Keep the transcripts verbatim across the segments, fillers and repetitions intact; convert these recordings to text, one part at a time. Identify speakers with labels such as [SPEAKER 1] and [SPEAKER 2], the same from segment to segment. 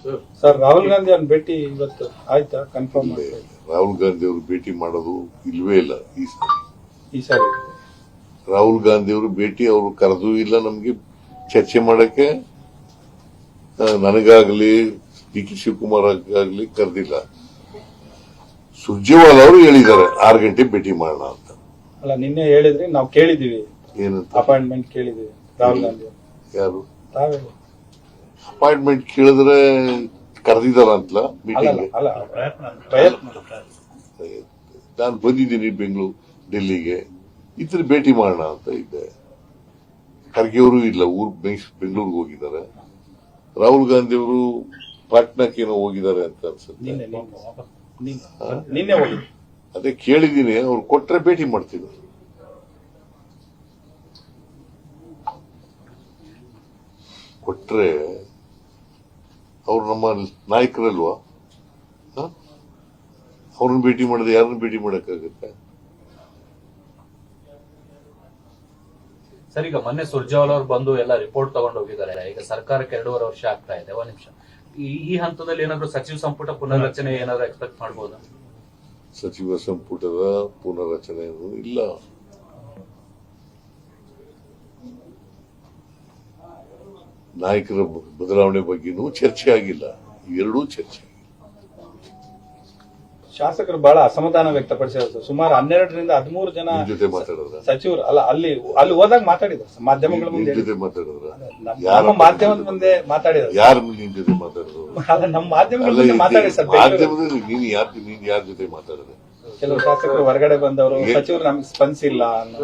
[SPEAKER 1] Sir Rahul Gandhi ಅವ್ರ ಭೇಟಿ ಇವತ್ತು ಆಯ್ತಾ ಕನ್ಫರ್ಮ್?
[SPEAKER 2] ರಾಹುಲ್ ಗಾಂಧಿ ಅವರು ಭೇಟಿ ಮಾಡೋದು ಇಲ್ವೇ ಇಲ್ಲ ಈ ಸಾರಿ.
[SPEAKER 1] ಈ ಸಾರಿ
[SPEAKER 2] ರಾಹುಲ್ ಗಾಂಧಿ ಅವರು ಭೇಟಿ ಅವರು ಕರೆದೂ ಇಲ್ಲ, ನಮ್ಗೆ ಚರ್ಚೆ ಮಾಡಕ್ಕೆ ನನಗಾಗ್ಲಿ ಡಿ ಕೆ ಶಿವಕುಮಾರ್ ಆಗ್ಲಿ ಕರೆದಿಲ್ಲ. ಸುರ್ಜೇವಾಲಾ ಅವರು ಹೇಳಿದ್ದಾರೆ ಆರು ಗಂಟೆ ಭೇಟಿ ಮಾಡೋಣ ಅಂತ.
[SPEAKER 1] ಅಲ್ಲ ನಿನ್ನೆ ಹೇಳಿದ್ರಿ, ನಾವು ಕೇಳಿದೀವಿ,
[SPEAKER 2] ಏನಂತ
[SPEAKER 1] ಅಪಾಯಿಂಟ್ಮೆಂಟ್ ಕೇಳಿದೀವಿ ರಾಹುಲ್ ಗಾಂಧಿ.
[SPEAKER 2] ಯಾರು
[SPEAKER 1] ತಾವೇ
[SPEAKER 2] ಅಪಾಯಿಂಟ್ಮೆಂಟ್ ಕೇಳಿದ್ರೆ ಕರೆದಿದ್ದಾರ ಅಂತಲ್ಲ ಮೀಟಿಂಗ್?
[SPEAKER 1] ಅಲ್ಲ ಪ್ರಯತ್ನ.
[SPEAKER 2] ನಾನು ಬಂದಿದ್ದೀನಿ ಬೆಂಗಳೂರು ಡೆಲ್ಲಿಗೆ, ಇತರ ಭೇಟಿ ಮಾಡೋಣ ಅಂತ ಇದ್ದೆ. ಖರ್ಗೆ ಅವರು ಇಲ್ಲ, ಊರ್ ಬೆಂಗಳೂರಿಗೆ ಹೋಗಿದ್ದಾರೆ. ರಾಹುಲ್ ಗಾಂಧಿ ಅವರು ಪಾಟ್ನಾಕ್ಕೇನೋ ಹೋಗಿದ್ದಾರೆ ಅಂತ ಅನ್ಸುತ್ತೆ.
[SPEAKER 1] ನಿನ್ನೆ ಹೋಗಿ
[SPEAKER 2] ಅದೇ ಕೇಳಿದ್ದೀನಿ, ಅವ್ರು ಕೊಟ್ರೆ ಭೇಟಿ ಮಾಡ್ತೀನಿ. ಕೊಟ್ರೆ ಅವ್ರು ನಮ್ಮ ನಾಯಕರಲ್ವಾ, ಅವ್ರನ್ನ ಭೇಟಿ ಮಾಡಿದ್ರೆ ಯಾರನ್ನ ಭೇಟಿ ಮಾಡಕ್ಕಾಗತ್ತೆ?
[SPEAKER 3] ಸರ್, ಈಗ ಮೊನ್ನೆ ಸುರ್ಜೇವಾಲಾ ಅವರು ಬಂದು ಎಲ್ಲ ರಿಪೋರ್ಟ್ ತಗೊಂಡು ಹೋಗಿದ್ದಾರೆ. ಈಗ ಸರ್ಕಾರಕ್ಕೆ ಎರಡೂವರೆ ವರ್ಷ ಆಗ್ತಾ ಇದೆ. ಒಂದ್ ನಿಮಿಷ, ಈ ಹಂತದಲ್ಲಿ ಏನಾದ್ರು ಸಚಿವ ಸಂಪುಟ ಪುನರ್ರಚನೆ ಏನಾದ್ರು ಎಕ್ಸ್ಪೆಕ್ಟ್ ಮಾಡಬಹುದಾ?
[SPEAKER 2] ಸಚಿವ ಸಂಪುಟದ ಪುನರ್ರಚನೆ ಇಲ್ಲ. ನಾಯಕರ ಬದಲಾವಣೆ ಬಗ್ಗೆನೂ ಚರ್ಚೆ ಆಗಿಲ್ಲ. ಇವೆರಡೂ ಚರ್ಚೆ.
[SPEAKER 1] ಶಾಸಕರು ಬಹಳ ಅಸಮಾಧಾನ ವ್ಯಕ್ತಪಡಿಸಿದ್ರು. ಸುಮಾರು ಹನ್ನೆರಡರಿಂದ ಹದಿಮೂರು ಜನ
[SPEAKER 2] ಜೊತೆ ಮಾತಾಡಿದ್ರ
[SPEAKER 1] ಸಚಿವರು ಅಲ್ಲ ಅಲ್ಲಿ ಅಲ್ಲಿ ಹೋದಾಗ ಮಾತಾಡಿದ್ರು. ಮಾಧ್ಯಮಗಳ ಮುಂದೆ
[SPEAKER 2] ಜೊತೆ ಮಾತಾಡಿದ್ರ
[SPEAKER 1] ನಮ್ಮ ಮಾಧ್ಯಮದ ಮುಂದೆ ಮಾತಾಡಿದ್ರು.
[SPEAKER 2] ಯಾರ ನಿನ್ ಜೊತೆ ಮಾತಾಡಿದ್ರು?
[SPEAKER 1] ಅಲ್ಲ ನಮ್ಮ ಮಾಧ್ಯಮಗಳ ಮುಂದೆ ಮಾತಾಡಿ ಸರ್.
[SPEAKER 2] ಮಾಧ್ಯಮದಲ್ಲಿ ನೀನ್ ಯಾರ ನೀನ್ ಯಾರ ಜೊತೆ ಮಾತಾಡಿದ್ರೆ?
[SPEAKER 1] ಕೆಲವು ಶಾಸಕರು ಹೊರಗಡೆ ಬಂದವರು ಸಚಿವರು ನಮ್ಗೆ ಸ್ಪಂದಿಸಿಲ್ಲ.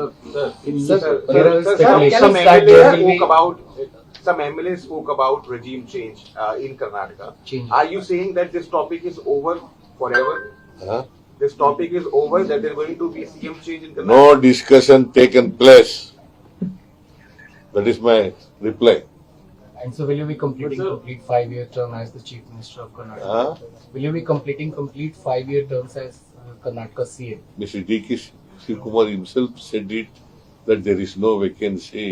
[SPEAKER 4] Some M L As spoke about regime change uh, in Karnataka. Change. Are you saying that this topic is over forever?
[SPEAKER 2] Huh?
[SPEAKER 4] This topic is over, that there is going to be C M change in Karnataka?
[SPEAKER 2] No discussion taken place. That is my reply.
[SPEAKER 5] And so will you be completing complete five-year term as the Chief Minister of Karnataka?
[SPEAKER 2] Huh?
[SPEAKER 5] Will you be completing complete five-year terms as uh, Karnataka C M?
[SPEAKER 2] Mister D K Shivakumar himself said it, that there is no vacancy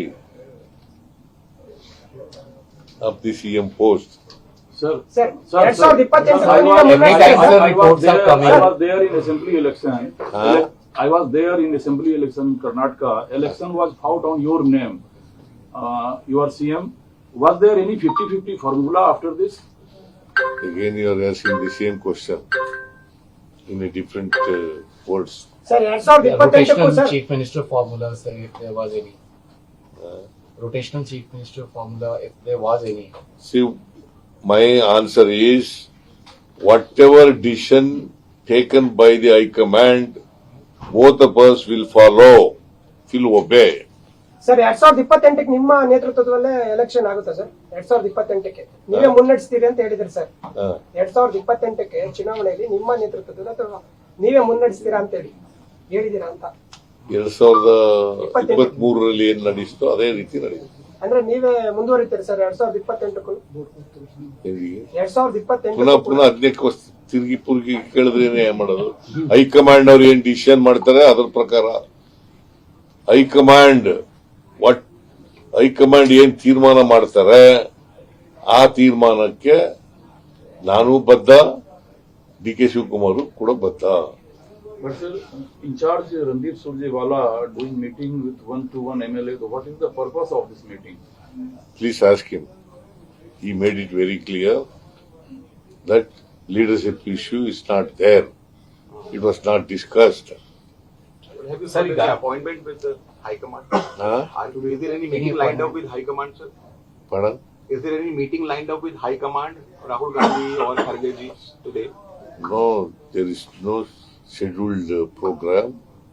[SPEAKER 2] of the C M post.
[SPEAKER 6] Sir,
[SPEAKER 7] sir,
[SPEAKER 6] sir,
[SPEAKER 7] ಎರಡ್
[SPEAKER 6] sir,
[SPEAKER 7] ಸಾವಿರದ ಇಪ್ಪತ್ತೆಂಟು
[SPEAKER 6] sir, I was-
[SPEAKER 5] Every time,
[SPEAKER 6] I
[SPEAKER 5] sir,
[SPEAKER 6] was
[SPEAKER 5] reports
[SPEAKER 6] there-
[SPEAKER 5] are coming.
[SPEAKER 6] I was there in assembly election.
[SPEAKER 2] Huh?
[SPEAKER 6] Ele- I was there in assembly election in Karnataka. Election was fought on your name. Uh, you are C M. Was there any fifty-fifty formula after this?
[SPEAKER 2] Again you are asking the same question in a different uh, words.
[SPEAKER 7] Sir ಎರಡ್ ಸಾವಿರದ
[SPEAKER 5] Yeah,
[SPEAKER 7] ಇಪ್ಪತ್ತೆಂಟಕ್ಕೂ
[SPEAKER 5] rotational
[SPEAKER 7] sir
[SPEAKER 5] Chief Minister formula, sir, if there was any.
[SPEAKER 2] Uh,
[SPEAKER 5] Rotational Chief Minister formula, if there was any.
[SPEAKER 2] See, my answer is whatever decision taken by the High Command, both of us will follow, will obey.
[SPEAKER 7] Sir ಎರಡ್ ಸಾವಿರದ ಇಪ್ಪತ್ತೆಂಟಕ್ಕೆ ನಿಮ್ಮ ನೇತೃತ್ವದಲ್ಲೇ election ಆಗುತ್ತೆ sir. ಎರಡ್ ಸಾವಿರದ ಇಪ್ಪತ್ತೆಂಟಕ್ಕೆ ನೀವೇ ಮುನ್ನಡೆಸ್ತೀರಿ ಅಂತ ಹೇಳಿದ್ರಿ sir.
[SPEAKER 2] Uh,
[SPEAKER 7] ಎರಡ್ ಸಾವಿರದ ಇಪ್ಪತ್ತೆಂಟಕ್ಕೆ ಚುನಾವಣೆಯಲ್ಲಿ ನಿಮ್ಮ ನೇತೃತ್ವದಲ್ಲಿ ಅಥವಾ ನೀವೇ ಮುನ್ನಡೆಸ್ತೀರಾ ಅಂತ ಹೇಳಿ ಹೇಳಿದೀರಾ ಅಂತ.
[SPEAKER 2] ಎರಡ್ ಸಾವಿರದ ಇಪ್ಪತ್ತ್ ಮೂರರಲ್ಲಿ ಏನ್ ನಡೆಯಿತೋ ಅದೇ ರೀತಿ ನಡೆಯುತ್ತೆ.
[SPEAKER 7] ಅಂದ್ರೆ ನೀವೇ ಮುಂದುವರಿತೀರಿ ಸರ್ ಎರಡ್ ಸಾವಿರದ ಇಪ್ಪತ್ತೆಂಟಕ್ಕೂ? ಎರಡ್ ಸಾವಿರದ ಇಪ್ಪತ್ತೆಂಟು
[SPEAKER 2] ಪುನಃ ಪುನಃ ಹದಿನೈದು ತಿರುಗಿ ಪುರುಗಿ ಕೇಳಿದ್ರೆ ಏನ್ ಮಾಡೋದು? ಹೈಕಮಾಂಡ್ ಅವ್ರು ಏನ್ ಡಿಸಿಷನ್ ಮಾಡ್ತಾರೆ ಅದ್ರ ಪ್ರಕಾರ ಹೈಕಮಾಂಡ್ ವಾಟ್ ಹೈಕಮಾಂಡ್ ಏನ್ ತೀರ್ಮಾನ ಮಾಡ್ತಾರೆ ಆ ತೀರ್ಮಾನಕ್ಕೆ ನಾನು ಬದ್ಧ, ಡಿ ಕೆ ಶಿವಕುಮಾರ್ ಕೂಡ ಬದ್ಧ.
[SPEAKER 6] But sir, in charge Randeep Surjewala doing meeting with one to one M L A. What is the purpose of this meeting?
[SPEAKER 2] Please ask him. He made it very clear that leadership issue is not there. It was not discussed.
[SPEAKER 4] Have you
[SPEAKER 3] Sir,
[SPEAKER 4] started
[SPEAKER 3] you
[SPEAKER 4] the
[SPEAKER 3] got-
[SPEAKER 4] appointment with the High Command?
[SPEAKER 2] Huh?
[SPEAKER 4] Are you, is there any meeting lined up with High Command, sir?
[SPEAKER 2] Pardon?
[SPEAKER 4] Is there any meeting lined up with High Command, Rahul Gandhi or Kharge ji today?
[SPEAKER 2] No, there is no scheduled uh, program.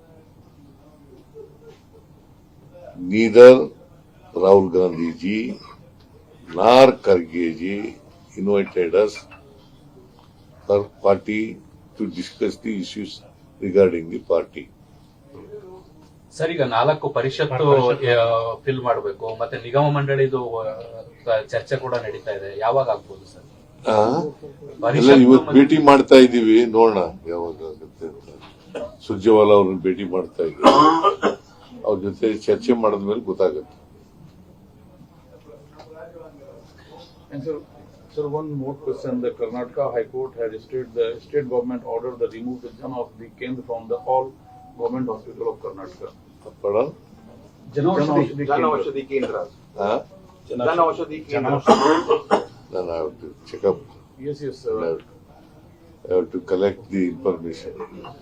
[SPEAKER 2] Neither Rahul Gandhi ji nor Kharge ji invited us for party to discuss the issues regarding the party.
[SPEAKER 3] Sir, ಈಗ ನಾಲ್ಕು ಪರಿಷತ್ತು fill ಮಾಡಬೇಕು, ಮತ್ತೆ ನಿಗಮ ಮಂಡಳಿದು ಆ, ಚರ್ಚೆ ಕೂಡ ನಡೀತಾ ಇದೆ. ಯಾವಾಗ ಆಗ್ಬೋದು ಸರ್?
[SPEAKER 2] ಆ? ಎಲ್ಲ ಇವತ್ತು ಭೇಟಿ ಮಾಡ್ತಾ ಇದ್ದೀವಿ, ನೋಡೋಣ ಯಾವಾಗ ಆಗುತ್ತೆ ಅಂತ. ಸುರ್ಜೇವಾಲಾ ಅವ್ರನ್ನ ಭೇಟಿ ಮಾಡ್ತಾ ಇದ್ದೀವಿ, ಅವ್ರ ಜೊತೆ ಚರ್ಚೆ ಮಾಡಿದ್ಮೇಲೆ ಗೊತ್ತಾಗುತ್ತೆ.
[SPEAKER 6] And sir, Sir, one more question. The Karnataka High Court has stated the state government ordered the removal Jan Aushadhi Kendra from the all government hospital of Karnataka.
[SPEAKER 2] Pardon?
[SPEAKER 6] Jan Aushadhi
[SPEAKER 4] Jan
[SPEAKER 6] Kendra.
[SPEAKER 4] Aushadhi Kendras.
[SPEAKER 2] Huh?
[SPEAKER 4] Jan Aushadhi Kendras.
[SPEAKER 2] Then I have to check up.
[SPEAKER 6] Yes, yes,
[SPEAKER 2] I
[SPEAKER 6] sir.
[SPEAKER 2] have, I have to collect the information.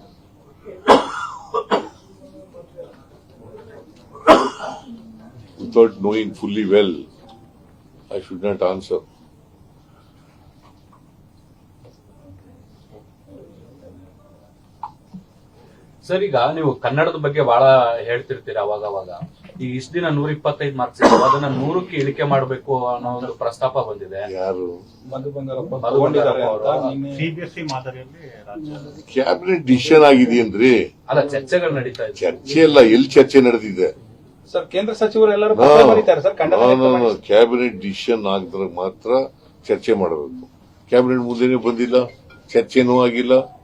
[SPEAKER 2] Without knowing fully well, I should not answer.
[SPEAKER 3] Sir, ಈಗ ನೀವು ಕನ್ನಡದ ಬಗ್ಗೆ ಬಹಳ ಹೇಳ್ತಿರ್ತೀರ ಅವಾಗ ಅವಾಗ. ಈಗ ಇಷ್ಟ ದಿನ ನೂರ ಇಪ್ಪತ್ತೈದು ಮಾರ್ಕ್ಸ್ ಅದನ್ನ ನೂರಕ್ಕೆ ಇಳಿಕೆ ಮಾಡಬೇಕು ಅನ್ನೋ ಒಂದು ಪ್ರಸ್ತಾಪ ಬಂದಿದೆ.
[SPEAKER 2] ಯಾರು?
[SPEAKER 1] ಮಧು ಬಂಗಾರಪ್ಪ
[SPEAKER 3] ಮಧು
[SPEAKER 1] ತಗೊಂಡಿದ್ದಾರೆ
[SPEAKER 3] ಬಂಗಾರಪ್ಪ
[SPEAKER 1] ಅಂತ
[SPEAKER 3] ಅವರು.
[SPEAKER 1] ನಿನ್ನೆ
[SPEAKER 8] ಸಿಬಿಎಸ್ಇ ಮಾದರಿಯಲ್ಲಿ ರಾಜ್ಯ
[SPEAKER 2] ಕ್ಯಾಬಿನೆಟ್ ಡಿಸಿಷನ್ ಆಗಿದೆಯೇನ್ರಿ?
[SPEAKER 3] ಅಲ್ಲ, ಚರ್ಚೆಗಳು ನಡೀತಾ ಇದೆ.
[SPEAKER 2] ಚರ್ಚೆ ಅಲ್ಲ, ಎಲ್ಲಿ ಚರ್ಚೆ ನಡೆದಿದೆ?
[SPEAKER 1] ಸರ್ ಕೇಂದ್ರ ಸಚಿವರು ಎಲ್ಲರೂ ಪತ್ರ ಬರೀತಾರೆ ಸರ್ ಖಂಡನೆ ವ್ಯಕ್ತಪಡಿಸಿ.
[SPEAKER 2] ಕ್ಯಾಬಿನೆಟ್ ಡಿಸಿಷನ್ ಆಗಿದ್ರೆ ಮಾತ್ರ ಚರ್ಚೆ ಮಾಡಬೇಕು. ಕ್ಯಾಬಿನೆಟ್ ಮುಂದೆನೇ ಬಂದಿಲ್ಲ, ಚರ್ಚೆನೂ ಆಗಿಲ್ಲ.